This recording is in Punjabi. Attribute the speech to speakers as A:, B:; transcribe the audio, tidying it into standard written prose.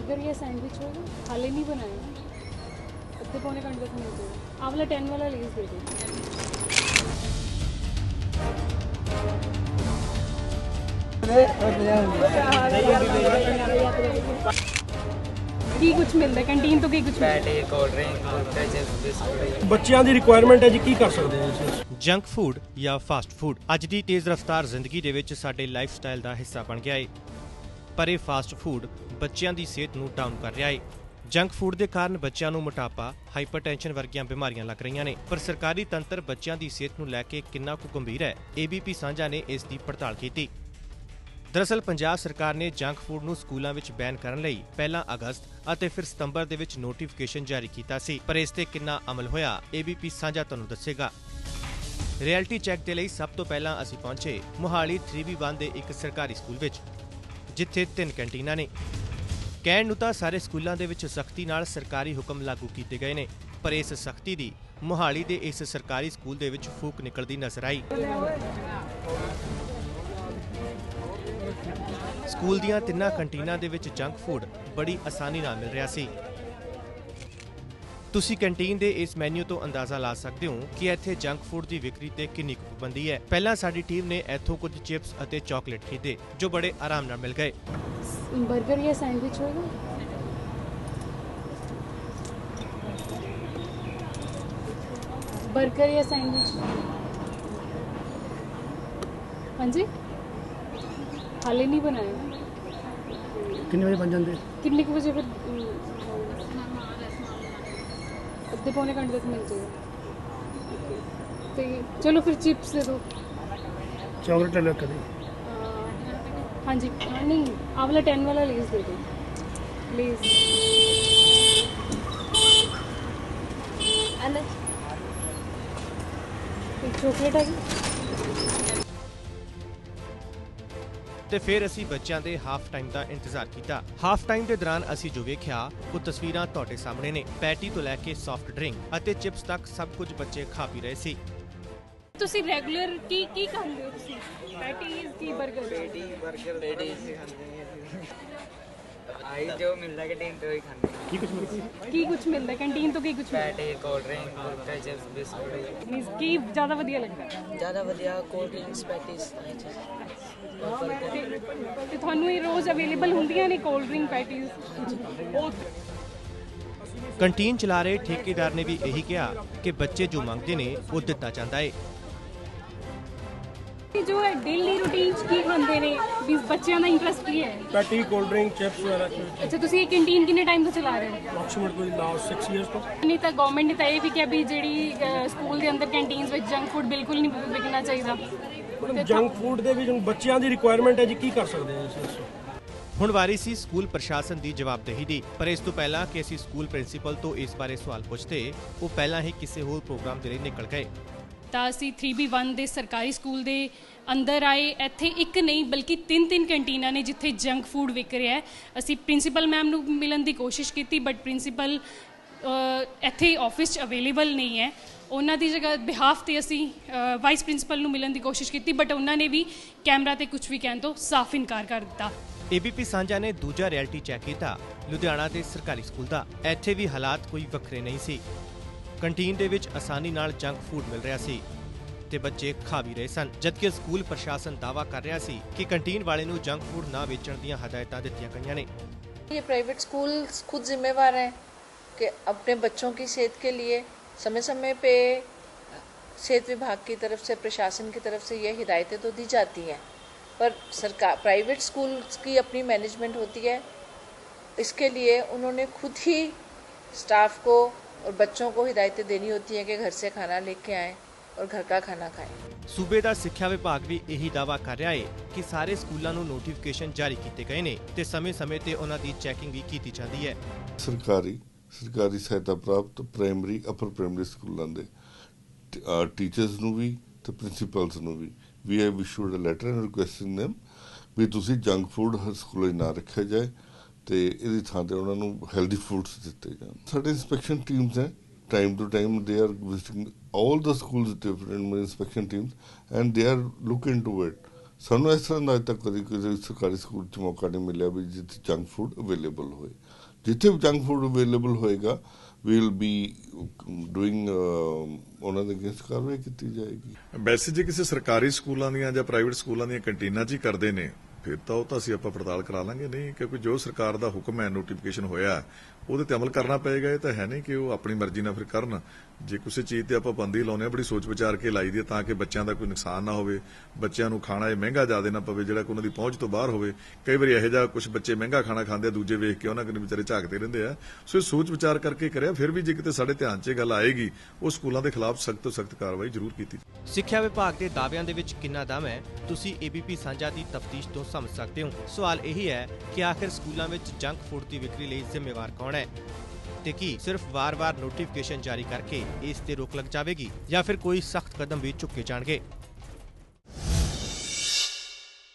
A: बर्गर या सैंडविच होगा, हाले नहीं बनाया, आधे पौने घंटे तक मिल जाएगा। आप वाला 10 वाला लेस दे दो। ਕੀ ਕੁਝ ਮਿਲਦਾ ਕੰਟੀਨ ਤੋਂ? ਕੀ ਕੁਝ
B: ਪੈਟੇ, ਕੋਲਡ ਡਰਿੰਕ, ਕੁਲਚੇ, ਚਿਪਸ, ਬਿਸਕੁਟ।
C: ਬੱਚਿਆਂ ਦੀ ਰਿਕੁਆਇਰਮੈਂਟ ਹੈ ਜੀ, ਕੀ ਕਰ ਸਕਦੇ ਹਾਂ ਅਸੀਂ?
D: ਜੰਕ ਫੂਡ ਜਾਂ ਫਾਸਟ ਫੂਡ ਅੱਜ ਦੀ ਤੇਜ਼ ਰਫ਼ਤਾਰ ਜ਼ਿੰਦਗੀ ਦੇ ਵਿੱਚ ਸਾਡੇ ਲਾਈਫ ਸਟਾਈਲ ਦਾ ਹਿੱਸਾ ਬਣ ਗਿਆ ਏ। ਪਰ ਇਹ ਫਾਸਟ ਫੂਡ ਬੱਚਿਆਂ ਦੀ ਸਿਹਤ ਨੂੰ ਡਾਊਨ ਕਰ ਰਿਹਾ ਏ। ਜੰਕ ਫੂਡ ਦੇ ਕਾਰਨ ਬੱਚਿਆਂ ਨੂੰ ਮੋਟਾਪਾ, ਹਾਈਪਰਟੈਂਸ਼ਨ ਵਰਗੀਆਂ ਬਿਮਾਰੀਆਂ ਲੱਗ ਰਹੀਆਂ ਨੇ। ਪਰ ਸਰਕਾਰੀ ਤੰਤਰ ਬੱਚਿਆਂ ਦੀ ਸਿਹਤ ਨੂੰ ਲੈ ਕੇ ਕਿੰਨਾ ਕੁ ਗੰਭੀਰ ਹੈ, ABP ਸਾਂਝਾ ਨੇ ਇਸ ਦੀ ਪੜਤਾਲ ਕੀਤੀ। ਦਰਅਸਲ ਪੰਜਾਬ ਸਰਕਾਰ ਨੇ ਜੰਕ ਫੂਡ ਨੂੰ ਸਕੂਲਾਂ ਵਿੱਚ ਬੈਨ ਕਰਨ ਲਈ ਪਹਿਲਾਂ ਅਗਸਤ ਅਤੇ ਫਿਰ ਸਤੰਬਰ ਦੇ ਵਿੱਚ ਨੋਟੀਫਿਕੇਸ਼ਨ ਜਾਰੀ ਕੀਤਾ ਸੀ, ਪਰ ਇਸ ਤੇ ਕਿੰਨਾ ਅਮਲ ਹੋਇਆ, ABP ਸਾਂਝਾ ਤੁਹਾਨੂੰ ਦੱਸੇਗਾ। ਰਿਐਲਿਟੀ ਚੈੱਕ ਦੇ ਲਈ ਸਭ ਤੋਂ ਪਹਿਲਾਂ ਅਸੀਂ ਪਹੁੰਚੇ ਮੁਹਾਲੀ 3B1 ਦੇ ਇੱਕ ਸਰਕਾਰੀ ਸਕੂਲ ਵਿੱਚ, ਜਿੱਥੇ 3 ਕੈਂਟੀਨਾਂ ਨੇ। ਕਹਿਣ ਨੂੰ ਤਾਂ ਸਾਰੇ ਸਕੂਲਾਂ ਦੇ ਵਿੱਚ ਸਖਤੀ ਨਾਲ ਸਰਕਾਰੀ ਹੁਕਮ ਲਾਗੂ ਕੀਤੇ ਗਏ ਨੇ, ਪਰ ਇਸ ਸਖਤੀ ਦੀ ਮੁਹਾਲੀ ਦੇ ਇਸ ਸਰਕਾਰੀ ਸਕੂਲ ਦੇ ਵਿੱਚ ਫੂਕ ਨਿਕਲਦੀ ਨਜ਼ਰ ਆਈ। ਸਕੂਲ ਦੀਆਂ 3 ਕੰਟੀਨਾਂ ਦੇ ਵਿੱਚ ਜੰਕ ਫੂਡ ਬੜੀ ਆਸਾਨੀ ਨਾਲ ਮਿਲ ਰਿਹਾ ਸੀ। ਤੁਸੀਂ ਕੰਟੀਨ ਦੇ ਇਸ ਮੈਨੂ ਤੋਂ ਅੰਦਾਜ਼ਾ ਲਾ ਸਕਦੇ ਹੋ ਕਿ ਇੱਥੇ ਜੰਕ ਫੂਡ ਦੀ ਵਿਕਰੀ ਤੇ ਕਿੰਨੀ ਕੁ ਪਾਬੰਦੀ ਹੈ। ਪਹਿਲਾਂ ਸਾਡੀ ਟੀਮ ਨੇ ਇੱਥੋਂ ਕੁਝ ਚਿਪਸ ਅਤੇ ਚਾਕਲੇਟ ਖਰੀਦੇ, ਜੋ ਬੜੇ ਆਰਾਮ ਨਾਲ ਮਿਲ ਗਏ।
A: बर्गर या सैंडविच होगा, बर्गर या सैंडविच? हाँ जी, हाले नहीं बनाया।
C: ਕਿੰਨੇ ਵਜੇ ਬਣ ਜਾਂਦੇ?
A: कितने बजे फिर? आधे पौने घंटे तक मिल जाएगा। तो चलो फिर चिप्स दे दो।
C: ਚਾਕਲੇਟ ਲੈ ਲਓ ਕਦੇ।
A: हाँ जी, नहीं, आप वाला 10 वाला लेस दे दो, लेस। एक चॉकलेट है जी।
D: ਤੇ ਫਿਰ ਅਸੀਂ ਬੱਚਿਆਂ ਦੇ ਹਾਫ ਟਾਈਮ ਦਾ ਇੰਤਜ਼ਾਰ ਕੀਤਾ। ਹਾਫ ਟਾਈਮ ਦੇ ਦੌਰਾਨ ਅਸੀਂ ਜੋ ਵੇਖਿਆ ਉਹ ਤਸਵੀਰਾਂ ਤੁਹਾਡੇ ਸਾਹਮਣੇ ਨੇ। ਪੈਟੀ ਤੋਂ ਲੈ ਕੇ ਸੌਫਟ ਡਰਿੰਕ ਅਤੇ ਚਿਪਸ ਤੱਕ ਸਭ ਕੁਝ ਬੱਚੇ ਖਾ ਪੀ ਰਹੇ ਸੀ।
A: ਤੁਸੀਂ ਰੈਗੂਲਰ ਕੀ ਖਾਂਦੇ ਹੋ ਤੁਸੀਂ? ਪੈਟੀਜ਼ ਕੀ ਬਰਗਰ?
B: ਪੈਟੀ, ਬਰਗਰ, ਲੇਡੀਜ਼ ਖਾਂਦੇ ਨੇ। ਆਈ ਜੋ ਮਿਲਦਾ ਕੰਟੀਨ ਤੋਂ ਹੀ ਖਾਂਦੇ ਨੇ।
C: ਕੀ ਕੁਝ ਮਿਲਦਾ?
A: ਕੀ ਕੁਝ ਮਿਲਦਾ ਕੰਟੀਨ ਤੋਂ? ਕੀ ਕੁਝ
B: ਪੈਟੇ, ਕੋਲਡ ਡਰਿੰਕ, ਕੁਲਚੇ, ਚਿਪਸ, ਬਿਸਕੁਟ।
A: ਮੀਨਸ ਕੀ ਜ਼ਿਆਦਾ ਵਧੀਆ ਲੱਗਦਾ?
B: ਜ਼ਿਆਦਾ ਵਧੀਆ ਕੋਲਡ ਡਰਿੰਕਸ, ਪੈਟੀਜ਼।
A: ਤੇ ਤੁਹਾਨੂੰ ਇਹ ਰੋਜ਼ ਅਵੇਲੇਬਲ ਹੁੰਦੀਆਂ ਨੇ ਕੋਲਡ ਡਰਿੰਕ, ਪੈਟੀਜ਼?
D: ਕੰਟੀਨ ਚਲਾ ਰਹੇ ਠੇਕੇਦਾਰ ਨੇ ਵੀ ਇਹੀ ਕਿਹਾ ਕਿ ਬੱਚੇ ਜੋ ਮੰਗਦੇ ਨੇ ਉਹ ਦਿੱਤਾ ਜਾਂਦਾ ਏ।
A: ਜੋ ਹੈ ਡੇਲੀ ਰੂਟੀਨ ਚ ਕੀ ਖਾਂਦੇ ਨੇ ਵੀ ਬੱਚਿਆਂ ਦਾ ਇੰਟਰਸਟ ਕੀ ਹੈ?
C: ਪੈਟੀ, ਕੋਲਡ ਡਰਿੰਕ, ਚਿਪਸ ਵਗੈਰਾ।
A: ਅੱਛਾ, ਤੁਸੀਂ ਇਹ ਕੰਟੀਨ ਕਿੰਨੇ ਟਾਈਮ ਤੋਂ ਚਲਾ ਰਹੇ ਹੋ?
C: ਅਪਰੋਕਸੀਮੇਟ ਕੋਈ ਲਾਸਟ 6 ਇਅਰਸ ਤੋਂ।
A: ਨਹੀਂ ਤਾਂ ਗਵਰਨਮੈਂਟ ਨੇ ਤਾਂ ਇਹ ਵੀ ਕਿਹਾ ਵੀ ਜਿਹੜੀ ਸਕੂਲ ਦੇ ਅੰਦਰ ਕੈਂਟੀਨਸ ਵਿੱਚ ਜੰਕ ਫੂਡ ਬਿਲਕੁਲ ਨਹੀਂ ਵਿਕਣਾ ਚਾਹੀਦਾ।
C: ਜੰਕ ਫੂਡ ਦੇ ਵਿੱਚ ਬੱਚਿਆਂ ਦੀ ਰਿਕੁਆਇਰਮੈਂਟ ਹੈ ਜੀ, ਕੀ ਕਰ ਸਕਦੇ ਹਾਂ ਅਸੀਂ?
D: ਹੁਣ ਵਾਰੀ ਸੀ ਸਕੂਲ ਪ੍ਰਸ਼ਾਸਨ ਦੀ ਜਵਾਬਦੇਹੀ ਦੀ, ਪਰ ਇਸ ਤੋਂ ਪਹਿਲਾਂ ਕਿ ਅਸੀਂ ਸਕੂਲ ਪ੍ਰਿੰਸੀਪਲ ਤੋਂ ਇਸ ਬਾਰੇ ਸਵਾਲ ਪੁੱਛਦੇ, ਉਹ ਪਹਿਲਾਂ ਹੀ ਕਿਸੇ ਹੋਰ ਪ੍ਰੋਗਰਾਮ ਦੇ ਲਈ ਨਿਕਲ ਗਏ।
A: ਤਾਂ ਅਸੀਂ 3B1 ਦੇ ਸਰਕਾਰੀ ਸਕੂਲ ਦੇ ਅੰਦਰ ਆਏ। ਇੱਥੇ ਇੱਕ ਨਹੀਂ ਬਲਕਿ 3 ਕੰਟੀਨਾਂ ਨੇ ਜਿੱਥੇ ਜੰਕ ਫੂਡ ਵਿਕ ਰਿਹਾ ਹੈ। ਅਸੀਂ ਪ੍ਰਿੰਸੀਪਲ ਮੈਮ ਨੂੰ ਮਿਲਣ ਦੀ ਕੋਸ਼ਿਸ਼ ਕੀਤੀ, ਬਟ ਪ੍ਰਿੰਸੀਪਲ ਇੱਥੇ ਆਫਿਸ 'ਚ ਅਵੇਲੇਬਲ ਨਹੀਂ ਹੈ। ਉਹਨਾਂ ਦੀ ਜਗ੍ਹਾ ਬਿਹਾਫ 'ਤੇ ਅਸੀਂ ਵਾਈਸ ਪ੍ਰਿੰਸੀਪਲ ਨੂੰ ਮਿਲਣ ਦੀ ਕੋਸ਼ਿਸ਼ ਕੀਤੀ, ਬਟ ਉਹਨਾਂ ਨੇ ਵੀ ਕੈਮਰਾ 'ਤੇ ਕੁਝ ਵੀ ਕਹਿਣ ਤੋਂ ਸਾਫ਼ ਇਨਕਾਰ ਕਰ ਦਿੱਤਾ।
D: ABP ਸਾਂਝਾ ਨੇ ਦੂਜਾ ਰਿਐਲਿਟੀ ਚੈੱਕ ਕੀਤਾ ਲੁਧਿਆਣਾ ਦੇ ਸਰਕਾਰੀ ਸਕੂਲ ਦਾ। ਇੱਥੇ ਵੀ ਹਾਲਾਤ ਕੋਈ ਵੱਖਰੇ ਨਹੀਂ ਸੀ। ਕੰਟੀਨ ਦੇ ਵਿੱਚ ਆਸਾਨੀ ਨਾਲ ਜੰਕ ਫੂਡ ਮਿਲ ਰਿਹਾ ਸੀ ਤੇ ਬੱਚੇ ਖਾ ਵੀ ਰਹੇ ਸਨ, ਜਦਕਿ ਸਕੂਲ ਪ੍ਰਸ਼ਾਸਨ ਦਾਅਵਾ ਕਰ ਰਿਹਾ ਸੀ ਕਿ ਕੰਟੀਨ ਵਾਲੇ ਨੂੰ ਜੰਕ ਫੂਡ ਨਾ ਵੇਚਣ ਦੀਆਂ ਹਦਾਇਤਾਂ ਦਿੱਤੀਆਂ ਗਈਆਂ ਨੇ।
E: ये प्राइवेट स्कूल खुद जिम्मेवार हैं कि अपने बच्चों की सेहत के लिए समय समय पे सेहत विभाग की तरफ से, प्रशासन की तरफ से ये हिदायतें तो दी जाती हैं, पर सरकार प्राइवेट स्कूल की अपनी मैनेजमेंट होती है। इसके लिए उन्होंने खुद ही स्टाफ को और बच्चों को हिदायतें देनी होती हैं कि घर से खाना लेके आएँ और घर का खाना खाएं।
D: ਸੂਬੇ ਦਾ ਸਿੱਖਿਆ ਵਿਭਾਗ ਵੀ ਇਹੀ ਦਾਅਵਾ ਕਰ ਰਿਹਾ ਹੈ ਕਿ ਸਾਰੇ ਸਕੂਲਾਂ ਨੂੰ ਨੋਟੀਫਿਕੇਸ਼ਨ ਜਾਰੀ ਕੀਤੇ ਗਏ ਨੇ ਤੇ ਸਮੇਂ-ਸਮੇਂ ਤੇ ਉਹਨਾਂ ਦੀ ਚੈਕਿੰਗ ਵੀ ਕੀਤੀ ਜਾਂਦੀ ਹੈ।
F: ਸਰਕਾਰੀ ਸਹਾਇਤਾ ਪ੍ਰਾਪਤ ਪ੍ਰਾਇਮਰੀ, ਅਪਰ ਪ੍ਰਾਇਮਰੀ ਸਕੂਲਾਂ ਦੇ ਟੀਚਰਸ ਨੂੰ ਵੀ ਤੇ ਪ੍ਰਿੰਸੀਪਲਸ ਨੂੰ ਵੀ we have issued a letter requesting them ਵੀ ਤੁਸੀਂ ਜੰਕ ਫੂਡ ਹਰ ਸਕੂਲ 'ਚ ਨਾ ਰੱਖਿਆ ਜਾਏ ਤੇ ਇਹਦੀ ਥਾਂ ਤੇ ਉਹਨਾਂ ਨੂੰ ਹੈਲਦੀ ਫੂਡਸ ਦਿੱਤੇ ਜਾਣ। ਸਾਡੇ ਇੰਸਪੈਕਸ਼ਨ ਟੀਮਸ ਹੈ, time to time they are visiting all the schools, different inspection teams, and they are looking into it. ਸਾਨੂੰ ਇਸ ਤਰ੍ਹਾਂ ਦਾ ਅੱਜ ਤੱਕ ਕਦੀ ਕਿਸੇ ਸਰਕਾਰੀ ਸਕੂਲ 'ਚ ਮੌਕਾ ਨਹੀਂ ਮਿਲਿਆ ਵੀ ਜਿੱਥੇ ਜੰਕ ਫੂਡ ਅਵੇਲੇਬਲ ਹੋਏ। ਜਿੱਥੇ ਵੀ ਜੰਕ ਫੂਡ ਅਵੇਲੇਬਲ ਹੋਏਗਾ ਵੀਲ ਬੀ ਡੂਇੰਗ ਉਹਨਾਂ ਦੇ ਅਗੇਂਸਟ ਕਾਰਵਾਈ ਕੀਤੀ ਜਾਏਗੀ।
G: ਵੈਸੇ ਜੇ ਕਿਸੇ ਸਰਕਾਰੀ ਸਕੂਲਾਂ ਦੀਆਂ ਜਾਂ ਪ੍ਰਾਈਵੇਟ ਸਕੂਲਾਂ ਦੀਆਂ ਕੰਟੀਨਾਂ 'ਚ ਹੀ ਕਰਦੇ ਨੇ ਫਿਰ ਤਾਂ ਉਹ ਤਾਂ ਅਸੀਂ ਆਪਾਂ ਪੜਤਾਲ ਕਰਾ ਲਾਂਗੇ। ਨਹੀਂ, ਕਿਉਂਕਿ ਜੋ ਸਰਕਾਰ ਦਾ ਹੁਕਮ ਹੈ, ਨੋਟੀਫਿਕੇਸ਼ਨ ਹੋਇਆ, ਉਹਦੇ ਤੇ ਅਮਲ ਕਰਨਾ ਪਏਗਾ। ਇਹ ਤਾਂ ਹੈ ਨਹੀਂ ਕਿ ਉਹ ਆਪਣੀ ਮਰਜ਼ੀ ਨਾਲ ਫਿਰ ਕਰਨ। ਜੇ ਕਿਸੇ ਚੀਜ਼ ਤੇ ਆਪਾਂ ਪਾਬੰਦੀ ਲਾਉਂਦੇ ਆ ਬੜੀ ਸੋਚ ਵਿਚਾਰ ਕੇ ਲਾਈ ਦੀ ਹੈ ਤਾਂ ਕਿ ਬੱਚਿਆਂ ਦਾ ਕੋਈ ਨੁਕਸਾਨ ਨਾ ਹੋਵੇ, ਬੱਚਿਆਂ ਨੂੰ ਖਾਣਾ ਇਹ ਮਹਿੰਗਾ ਜ਼ਿਆਦਾ ਨਾ ਪਵੇ ਜਿਹੜਾ ਕਿ ਉਹਨਾਂ ਦੀ ਪਹੁੰਚ ਤੋਂ ਬਾਹਰ ਹੋਵੇ। ਕਈ ਵਾਰੀ ਇਹੋ ਜਿਹਾ ਕੁਝ ਬੱਚੇ ਮਹਿੰਗਾ ਖਾਣਾ ਖਾਂਦੇ ਆ, ਦੂਜੇ ਵੇਖ ਕੇ ਉਹਨਾਂ ਕੋਲ ਵਿਚਾਰੇ ਝਾਕਦੇ ਰਹਿੰਦੇ ਆ। ਸੋ ਇਹ ਸੋਚ ਵਿਚਾਰ ਕਰਕੇ ਕਰਿਆ। ਫਿਰ ਵੀ ਜੇ ਕਿਤੇ ਸਾਡੇ ਧਿਆਨ 'ਚ ਇਹ ਗੱਲ ਆਏਗੀ ਉਹ ਸਕੂਲਾਂ ਦੇ ਖਿਲਾਫ ਸਖਤ ਤੋਂ ਸਖਤ ਕਾਰਵਾਈ ਜ਼ਰੂਰ ਕੀਤੀ।
D: ਸਿੱਖਿਆ ਵਿਭਾਗ ਦੇ ਦਾਅਵਿਆਂ ਦੇ ਵਿੱਚ ਕਿੰਨਾ ਦਮ ਹੈ, ਤੁਸੀਂ ABP ਸਾਂਝਾ ਦੀ ਤਫਤੀਸ਼ ਤੋਂ ਸਮਝ ਸਕਦੇ ਹੋ। ਸਵਾਲ ਇਹੀ ਹੈ ਕਿ ਆਖਿਰ ਸਕੂਲਾਂ ਵਿੱਚ ਜੰਕ ਫੂਡ ਦੀ ਵਿਕਰੀ ਲਈ ਜ਼ਿੰਮੇਵਾਰ ਕੌਣ ਹੈ ਤੇ ਕੀ ਸਿਰਫ ਵਾਰ-ਵਾਰ ਨੋਟੀਫਿਕੇਸ਼ਨ ਜਾਰੀ ਕਰਕੇ ਇਸ ਤੇ ਰੋਕ ਲੱਗ ਜਾਵੇਗੀ ਜਾਂ ਫਿਰ ਕੋਈ ਸਖਤ ਕਦਮ ਵੀ ਚੁੱਕੇ ਜਾਣਗੇ।